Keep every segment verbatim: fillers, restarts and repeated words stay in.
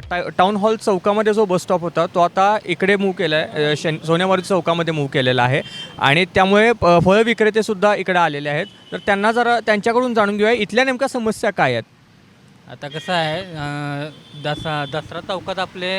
टा town hall चौकामध्ये जो बस स्टॉप होता तो आता इकडे मूव्ह केला आहे, शन सोनेवाडी चौकामध्ये मूव्ह केलेला आहे आणि त्यामुळे प फळ विक्रेतेसुद्धा इकडे आलेले आहेत. तर त्यांना जरा त्यांच्याकडून जाणून घेऊया इथल्या नेमक्या समस्या काय आहेत. आता कसं आहे अं, दसरा दसरा चौकात आपले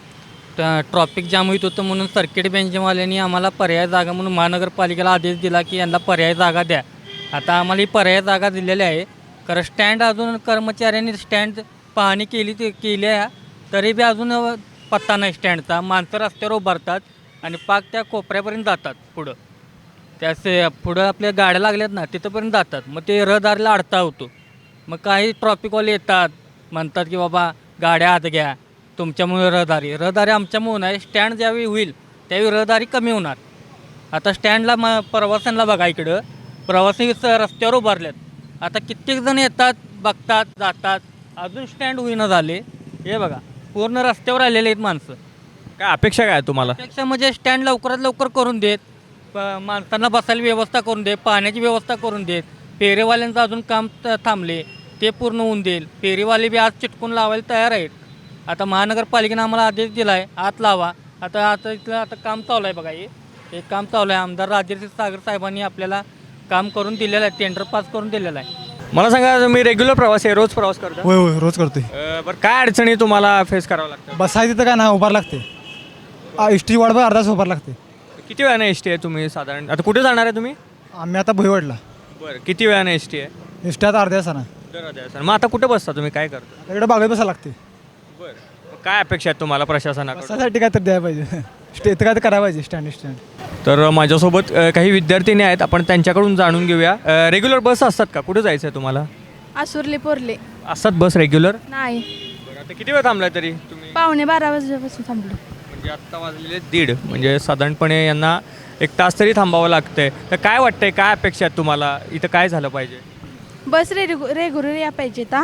ट्रॉफिक जाम होत होतं म्हणून सर्किट बेंचवाल्यांनी आम्हाला पर्याय जागा म्हणून महानगरपालिकेला आदेश दिला की यांना पर्याय जागा द्या. आता आम्हाला ही पर्याय जागा दिलेली आहे. कारण स्टँड अजून कर्मचाऱ्यांनी स्टँड पाहणी केली ते केली आहे तरी बी अजून पत्ता नाही स्टँडचा. माणसं रस्त्यावर उभारतात आणि पाक त्या कोपऱ्यापर्यंत जातात पुढं त्याचे पुढं आपल्या गाड्या लागल्यात ना तिथंपर्यंत जातात. मग ते रहदारीला अडथळा होतो. मग काही ट्रॉफिकवाले येतात म्हणतात की बाबा गाड्या आत घ्या तुमच्यामुळे रहदारी रहदारी आमच्यामुळे नाही. स्टँड ज्यावेळी होईल त्यावेळी रहदारी कमी होणार. आता स्टँडला म प्रवाशांना बघा इकडं प्रवासी स रस्त्यावर उभारल्यात. आता कित्येक जण येतात बघतात जातात अजून स्टँड होईना झाले. हे बघा पूर्ण रस्त्यावर आलेले आहेत माणसं. काय अपेक्षा काय आहे तुम्हाला. अपेक्षा म्हणजे स्टँड लवकरात लवकर करून देत, प माणसांना बसायला व्यवस्था करून देत, पाण्याची व्यवस्था करून देत. फेरीवाल्यांचं अजून काम त थांबले ते पूर्ण होऊन देईल. फेरीवाले बी आज चिटकून लावायला तयार आहेत. आता महानगरपालिकेनं आम्हाला आदेश दिला आहे आत लावा. आता आता इथलं आता काम चालू आहे बघा. हे हे काम चालू आहे. आमदार राजेश सागर साहेबांनी आपल्याला काम करून दिलेलं आहे, टेंडर पास करून दिलेलं आहे. मला सांगा मी रेग्युलर प्रवासी आहे, रोज प्रवास करतो. होय होय रोज करतोय. अ, बरं काय अडचणी तुम्हाला फेस करावं लागतं. बसायचं तिथं काय ना उभार लागते. एस टी वाढ अर्धा तास उभार लागते. किती वेळाने एस टी आहे तुम्ही साधारण. आता कुठे जाणार आहे तुम्ही. आम्ही आता भुईवाडला. बरं किती वेळाने एस टी आहे. एस टी आता अर्ध्या तासानं. सर मग आता कुठे बसता तुम्ही काय करता. इकडे बागेत बसायला लागते. बरं काय अपेक्षा आहेत तुम्हाला प्रशासनाकडून. बसायसाठी काय तर द्यायला पाहिजे. स्टे इथं काय तर करायला पाहिजे स्टँड स्टँड. तर माझ्यासोबत अ, काही विद्यार्थिनी आहेत आपण त्यांच्याकडून जाणून घेऊया. रेग्युलर बस असतात का. कुठे जायचं आहे तुम्हाला. आसुर्ले पोरले असतात बस रेग्युलर. नाही. आता किती वेळ थांबलाय तरी तुम्ही. पावणे बारा वाजल्यापासून थांबलो. म्हणजे आत्ता वाजलेले दीड म्हणजे साधारणपणे यांना एक तास तरी थांबावं लागतंय. तर काय वाटतंय काय अपेक्षा आहेत तुम्हाला इथं काय झालं पाहिजे. बस रे रेग्युलर या पाहिजे ता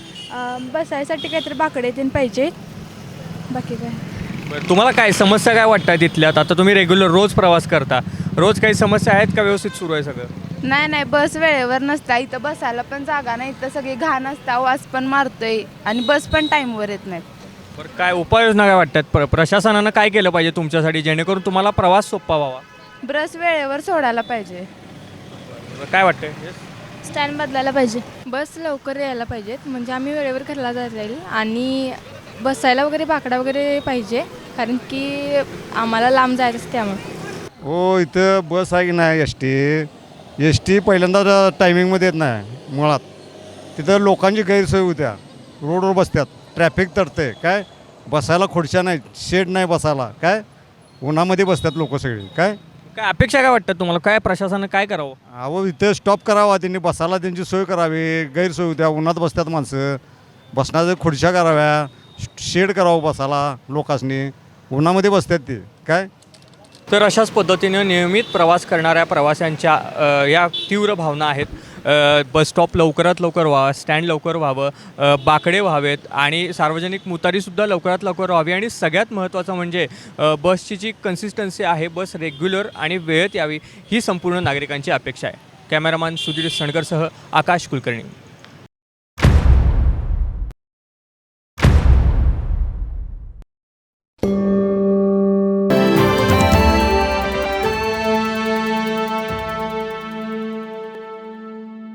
बसायसाठी काहीतरी बाकडे तीन पाहिजे. बाकी काय बरं तुम्हाला काय समस्या काय वाटतात तिथल्यात. आता तुम्ही रेग्युलर रोज प्रवास करता रोज काही समस्या आहेत का व्यवस्थित सुरू आहे सगळं. नाही नाही बस वेळेवर नसता. इथं बसायला पण जागा नाही. इथं सगळी घाण असता वास पण मारतोय आणि बस पण टाईमवर येत नाहीत. बरं काय उपाययोजना काय वाटतात प्र प्रशासनानं काय केलं पाहिजे तुमच्यासाठी जेणेकरून तुम्हाला प्रवास सोपा व्हावा. बस वेळेवर सोडायला पाहिजे. काय वाटतंय. स्टँड बदलायला पाहिजे. बस लवकर यायला पाहिजेत म्हणजे आम्ही वेळेवर घरला जाता येईल आणि बसायला वगैरे बाकडा वगैरे पाहिजे कारण की आम्हाला लांब जायचं असते त्यामुळे. हो इथं बस आहे की नाही एस टी एस टी पहिल्यांदा टायमिंगमध्ये येत नाही मुळात. तिथं लोकांची गैरसोय होत्या. रोडवर बसतात ट्रॅफिक तडते काय बसायला खुर्च्या नाही शेड नाही बसायला काय उन्हामध्ये बसतात लोक सगळे काय. काय अपेक्षा काय वाटतात तुम्हाला काय प्रशासनानं काय करावं. अहो इथं स्टॉप करावा त्यांनी बसायला त्यांची सोय करावी. गैरसोय होत्या उन्हात बसतात माणसं. बसण्याच्या खुर्च्या कराव्या शेड करावं बसायला लोकांनी उन्हामध्ये बसतात ते काय. तर अशाच पद्धतीनं नियमित प्रवास करणाऱ्या प्रवाशांच्या अ, या तीव्र भावना आहेत. अ, बस स्टॉप लवकरात लवकर व्हावा स्टँड लवकर व्हावं अ, बाकडे व्हावेत आणि सार्वजनिक मुतारीसुद्धा लवकरात लवकर व्हावी आणि सगळ्यात महत्त्वाचं म्हणजे अ, बसची जी कन्सिस्टन्सी आहे बस रेग्युलर आणि वेळेत यावी ही संपूर्ण नागरिकांची अपेक्षा आहे. कॅमेरामॅन सुधीर सणकरसह आकाश कुलकर्णी.